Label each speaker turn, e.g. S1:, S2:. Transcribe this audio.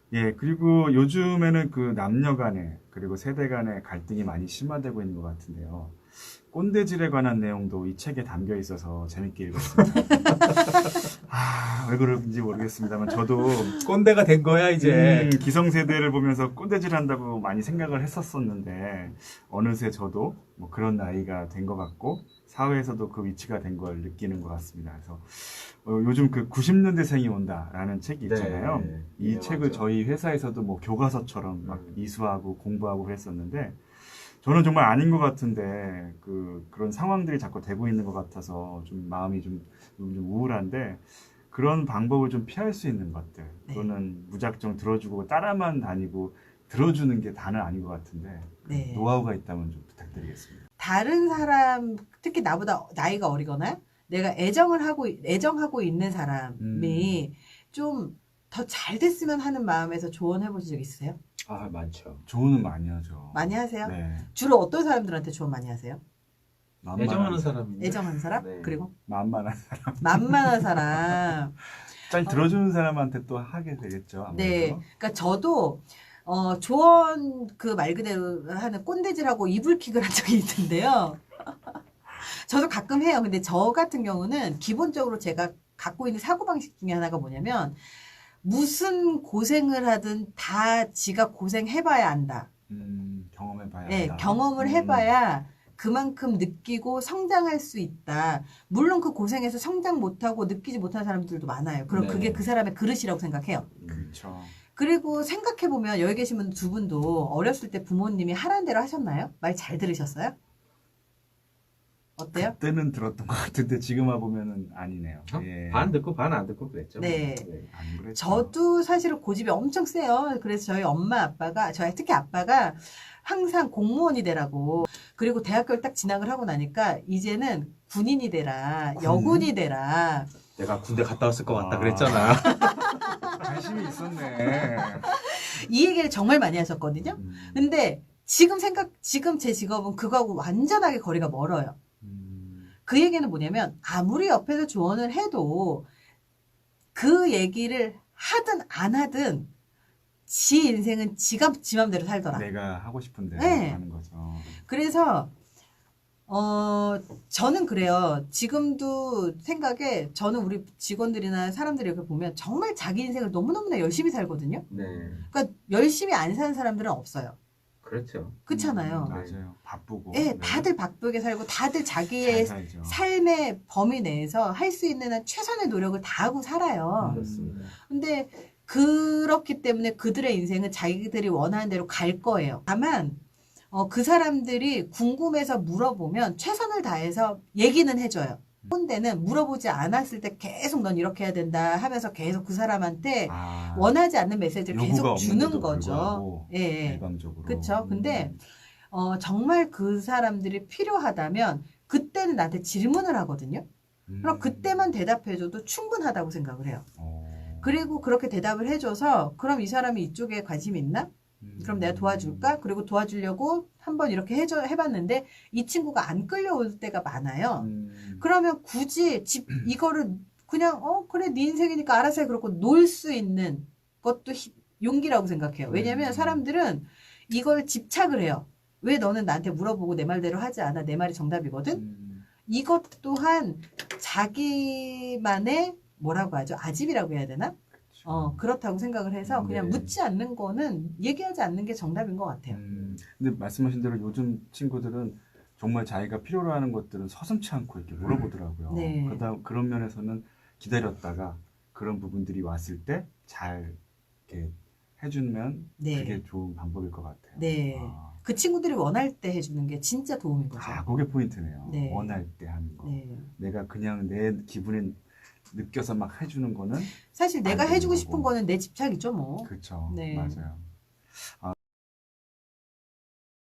S1: 예, 그리고 요즘에는 그 남녀 간에, 그리고 세대 간의 갈등이 많이 심화되고 있는 것 같은데요. 꼰대질에 관한 내용도 이 책에 담겨 있어서 재밌게 읽었습니다. 왜 그런지 모르겠습니다만, 저도
S2: 꼰대가 된 거야 이제.
S1: 기성세대를 보면서 꼰대질 한다고 많이 생각을 했었었는데, 어느새 저도 뭐 그런 나이가 된 것 같고, 사회에서도 그 위치가 된 걸 느끼는 것 같습니다. 그래서 요즘 그 90년대생이 온다라는 책이 있잖아요.
S2: 네.
S1: 이
S2: 네,
S1: 책을
S2: 맞아.
S1: 저희 회사에서도 뭐 교과서처럼 막 이수하고 공부하고 그랬었는데, 저는 정말 아닌 것 같은데 그런 상황들이 자꾸 되고 있는 것 같아서 좀 마음이 좀 우울한데, 그런 방법을 좀 피할 수 있는 것들,
S3: 네.
S1: 그거는 무작정 들어주고 따라만 다니고 들어주는 게 다는 아닌 것 같은데,
S3: 네.
S1: 노하우가 있다면 좀 부탁드리겠습니다.
S3: 다른 사람, 특히 나보다 나이가 어리거나 내가 애정하고 있는 사람이 좀 더 잘 됐으면 하는 마음에서 조언해 보신 적 있으세요?
S2: 아, 많죠.
S1: 조언은 많이 하죠.
S3: 많이 하세요?
S1: 네.
S3: 주로 어떤 사람들한테 조언 많이 하세요?
S2: 애정하는 사람인데.
S3: 애정하는 사람?
S2: 네.
S3: 그리고
S1: 만만한,
S3: 만만한 사람.
S1: 잘 들어주는 사람한테 또 하게 되겠죠. 아무래도.
S3: 네. 그러니까 저도 조언 그 말 그대로 하는 꼰대질하고 이불킥을 한 적이 있는데요. 저도 가끔 해요. 근데 저 같은 경우는 기본적으로 제가 갖고 있는 사고방식 중에 하나가 뭐냐면, 무슨 고생을 하든 다 지가 고생해봐야 안다.
S1: 경험해봐야
S3: 네,
S1: 한다.
S3: 경험을 해봐야 그만큼 느끼고 성장할 수 있다. 물론 그 고생해서 성장 못하고 느끼지 못하는 사람들도 많아요. 그럼
S2: 네.
S3: 그게 그 사람의 그릇이라고 생각해요.
S1: 그렇죠.
S3: 그리고 생각해보면 여기 계신 분 두 분도 어렸을 때 부모님이 하라는 대로 하셨나요? 말 잘 들으셨어요? 어때요?
S1: 그때는 들었던 것 같은데 지금 와보면은 아니네요. 예.
S2: 반 듣고 반 안 듣고 그랬죠.
S3: 네.
S1: 안 그랬죠.
S3: 저도 사실은 고집이 엄청 세요. 그래서 저희 엄마 아빠가, 저희 특히 아빠가 항상 공무원이 되라고. 그리고 대학교를 딱 진학을 하고 나니까 이제는 군인이 되라, 여군이 되라.
S2: 내가 군대 갔다 왔을 것 같다
S1: 아.
S2: 그랬잖아.
S1: 관심이 있었네.
S3: 이 얘기를 정말 많이 하셨거든요. 근데 지금 제 직업은 그거하고 완전하게 거리가 멀어요. 그 얘기는 뭐냐면, 아무리 옆에서 조언을 해도 그 얘기를 하든 안 하든 지 인생은 지 맘대로 살더라.
S1: 내가 하고 싶은 대로
S3: 네.
S1: 하는 거죠.
S3: 그래서 저는 그래요. 지금도 생각에 저는 우리 직원들이나 사람들이 이렇게 보면 정말 자기 인생을 너무너무나 열심히 살거든요.
S2: 네.
S3: 그러니까 열심히 안 사는 사람들은 없어요.
S2: 그렇죠.
S3: 그렇잖아요.
S1: 맞아요. 바쁘고.
S3: 예, 다들 바쁘게 살고 다들 자기의
S1: 잘 살죠.
S3: 삶의 범위 내에서 할 수 있는 한 최선의 노력을 다하고 살아요.
S2: 그렇습니다.
S3: 근데 그렇기 때문에 그들의 인생은 자기들이 원하는 대로 갈 거예요. 다만 그 사람들이 궁금해서 물어보면 최선을 다해서 얘기는 해줘요. 꼰대는 물어보지 않았을 때 계속 넌 이렇게 해야 된다 하면서 계속 그 사람한테 원하지 않는 메시지를
S1: 요구가
S3: 계속 주는
S1: 없는데도
S3: 거죠.
S1: 불구하고
S3: 예.
S1: 일방적으로.
S3: 그렇죠. 근데 정말 그 사람들이 필요하다면 그때는 나한테 질문을 하거든요. 그럼 그때만 대답해줘도 충분하다고 생각을 해요. 그리고 그렇게 대답을 해줘서 그럼 이 사람이 이쪽에 관심이 있나? 그럼 내가 도와줄까? 그리고 도와주려고 한번 이렇게 해봤는데 이 친구가 안 끌려올 때가 많아요. 그러면 굳이 이거를 그냥 그래 네 인생이니까 알아서 해 그렇고 놓을 수 있는 것도 용기라고 생각해요. 왜냐면 사람들은 이걸 집착을 해요. 왜 너는 나한테 물어보고 내 말대로 하지 않아? 내 말이 정답이거든? 이것 또한 자기만의 뭐라고 하죠? 아집이라고 해야 되나? 그렇다고 생각을 해서 그냥
S2: 네.
S3: 묻지 않는 거는 얘기하지 않는 게 정답인 것 같아요.
S1: 근데 말씀하신 대로 요즘 친구들은 정말 자기가 필요로 하는 것들은 서슴치 않고 이렇게 물어보더라고요.
S3: 네.
S1: 그런 면에서는 기다렸다가 그런 부분들이 왔을 때 잘 이렇게 해주면
S3: 네.
S1: 그게 좋은 방법일 것 같아요.
S3: 네. 그 친구들이 원할 때 해주는 게 진짜 도움인 거죠.
S1: 그게 포인트네요.
S3: 네.
S1: 원할 때 하는 거.
S3: 네.
S1: 내가 그냥 내 기분에 느껴서 막 해주는 거는
S3: 사실 내가
S1: 안 되는
S3: 해주고
S1: 거고.
S3: 싶은 거는 내 집착이죠, 뭐.
S1: 그렇죠.
S3: 네.
S1: 맞아요.